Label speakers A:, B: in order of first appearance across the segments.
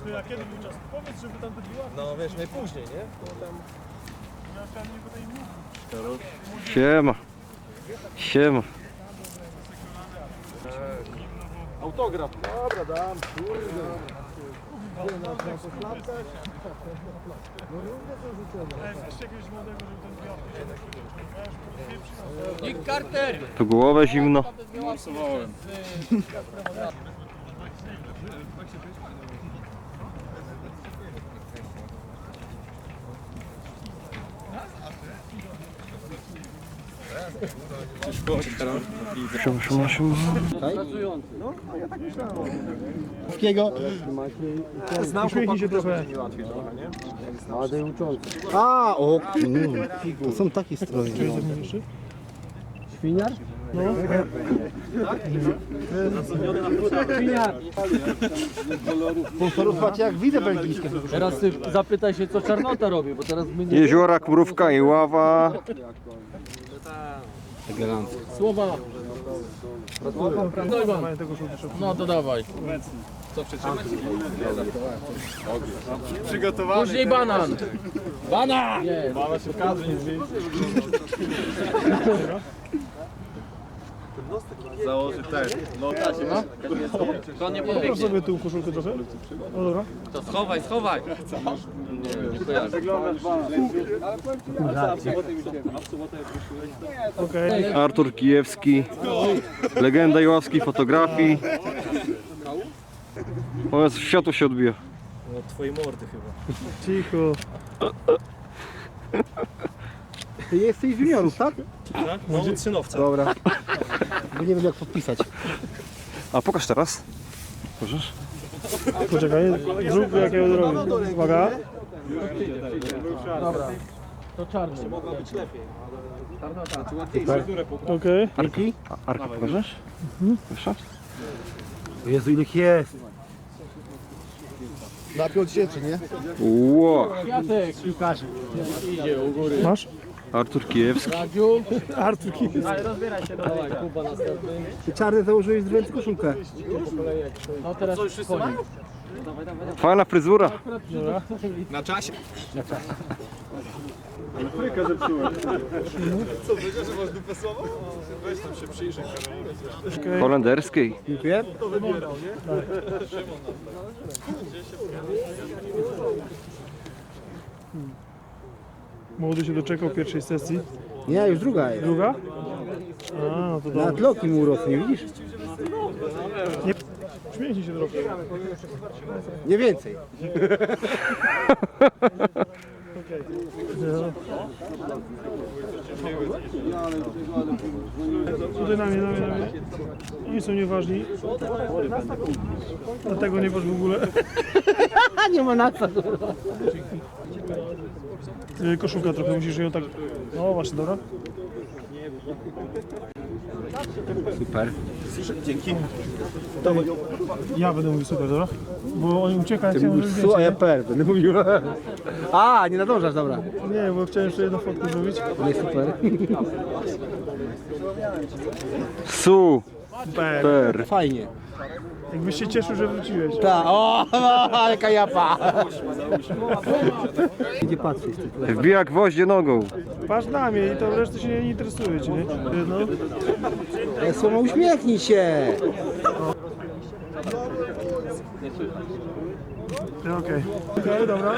A: A kiedy był czas? Powiedz, żeby tam była.
B: No wiesz, najpóźniej, nie? To tam...
C: Siema. Siema.
B: Autograf. Dobra, dam, kurde.
D: Nick Carter!
C: Tu głowę zimno. Siema, siema.
A: Uśmiechnij się trochę.
E: A, o, to są takie stroje. Świniar? No. Świniar. Sponsorów macie jak widzę belgijskie.
D: Teraz ty zapytaj się, co Czarnota robi, bo teraz my nie...
C: Jeziorak, mrówka i ława.
D: Słowa! No to dawaj.
B: Przygotowany.
D: Później banan! Banan! Nie.
B: Mama się kadry nie zmieni. Założy ten. No tak, no.
D: To nie
A: Proszę
D: podbiegnie.
A: sobie tył koszulkę trochę. No dobra.
D: To schowaj, schowaj!
A: Okej.
C: Artur Kijewski. Legenda jaławskiej fotografii. O Jezu, światło się odbija.
B: No twojej mordy chyba.
A: Cicho.
E: Ty jesteś z juniorów, tak?
B: Tak? No od synowca.
E: Dobra. Bo nie wiem jak podpisać.
C: A pokaż teraz. Możesz?
A: Poczekaj, zrób jakiego zrobię. Uwaga.
D: Dobra. To czarny.
A: Okej.
E: Arki?
C: Arka pokażesz? Proszę.
E: Jezu, ile ich jest. Na 5000, nie?
C: Ło.
D: Kwiatek!
E: Piłkarzy.
D: Idzie u góry.
A: Masz?
C: Artur Kijewski.
D: Radziu.
A: Artur Kijewski.
D: Dawaj, Kuba następny.
E: Ty czarny założyłeś z ręce koszulkę.
D: No teraz koniec.
C: Fajna fryzura.
A: Dobra.
B: Na czasie.
A: Okej.
C: Holenderskiej.
E: Dziękuję.
A: Młody się doczekał pierwszej sesji.
E: Nie, już druga jest.
A: Druga? A, no to
E: Na
A: dobra.
E: tloki mu urosnie, widzisz?
A: Nie. Śmiejcie się trochę.
E: Nie więcej.
A: Okej. No. Tutaj na mnie. Oni są nieważni. Dlatego nie waż w ogóle.
E: Nie ma na co.
A: Koszulka trochę, musisz ją tak... No właśnie, dobra.
C: Super.
A: Ja będę mówił super, dobra? Bo oni uciekają,
E: Ty
A: chciałem
E: mówisz
A: zrobić
E: su, a ja
A: zdjęcie,
E: per. Będę mówił. A, nie nadążasz, dobra.
A: nie, bo chciałem jeszcze jedną fotkę zrobić.
E: Nie, super.
A: Super.
E: Fajnie.
A: Jakbyś się cieszył, że wróciłeś.
E: Ta, o, jaka japa. Gdzie patrzysz ty?
C: Wbija gwoździe nogą.
A: Patrz na mnie i to reszty się nie interesuje, ci, nie? No.
E: Słowo, uśmiechnij się.
A: Okej, dobra.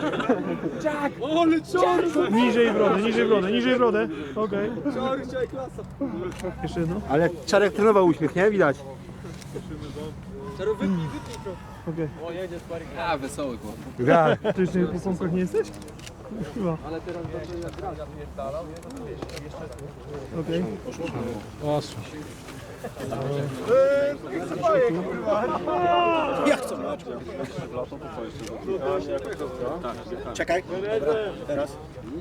A: Niżej brodę. Okej. Jeszcze jedno.
E: Ale Czarek trenował uśmiech, nie? Widać.
A: Okej.
D: A, wesoły chłop.
E: Ja.
A: Ty jeszcze po pompkach nie jesteś? Chyba. Okej.
B: Czekaj. Teraz.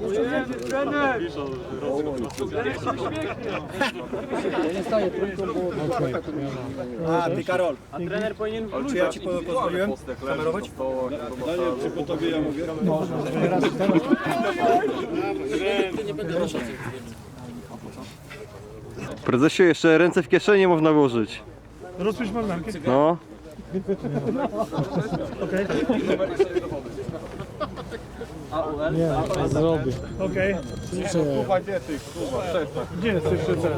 B: A ty Karol. A trener powinien wrócić. Czy ja ci pozwoliłem kamerować? Daniel, czy po tobie ja mówię?
C: Prezesie, jeszcze ręce w kieszeni można włożyć.
A: Rozpisz marynarkę.
C: No.
A: Okej.
E: Nie, zrobię.
A: Okej. Gdzie jest cyfrzyca?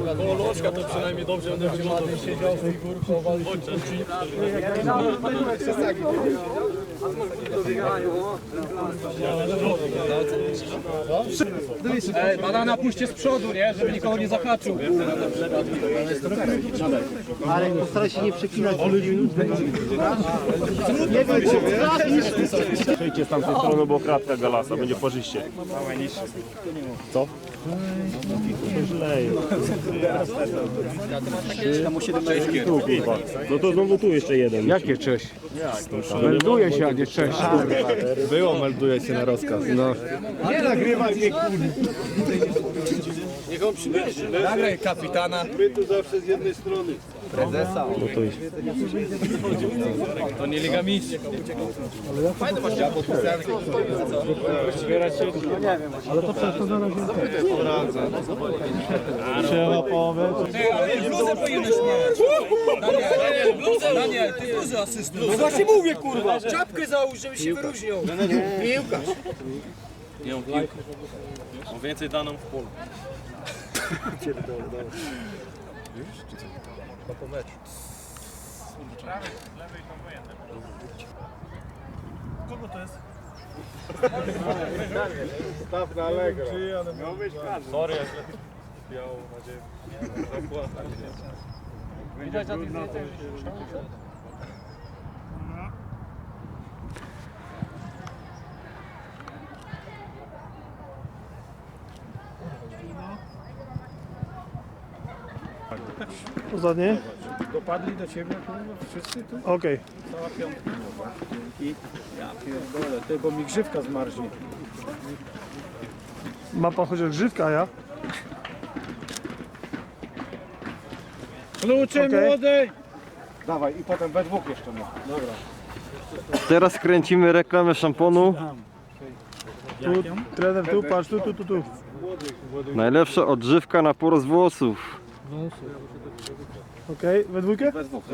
B: Banana puśćcie z przodu, nie? Żeby nikogo nie zahaczył.
E: Ale postaraj się nie przeklinać.
F: Przejdźcie z tamtej strony, bo kratka galasa, będzie parzyście. Co? Źle jest. Tu, kurwa. No to znowu tu jeszcze jeden.
C: Jakie cześć? Melduje się, a nie cześć.
E: Było, melduje się na rozkaz.
C: No.
B: Nagraj kapitana. To nie Liga Mistrzów.
A: Trzeba połowę.
B: Bluzę powinieneś mieć. Daniel, ty bluzę asystuj. No właśnie mówię, kurwa. Czapkę załóż, żeby się wyróżniał. Piłkarz. Nie mam piłkę. Mam więcej daną w polu.
A: Ostatnie?
B: Dopadli do ciebie, kurwa, wszyscy tu?
A: Okej.
B: Cała piątka. I ja pierdolę, ty, bo mi grzywka zmarznie.
A: Ma pan chociaż grzywkę, a ja?
B: Klucze
A: Okej.
B: młody! Dawaj, i potem we dwóch jeszcze no. Dobra.
C: Teraz kręcimy reklamę szamponu.
A: Tu, trener, tu, patrz, tu.
C: Najlepsza odżywka na porost włosów.
A: Okej, we dwójkę?
B: We dwóch,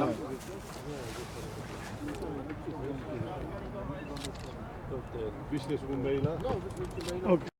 A: Okej.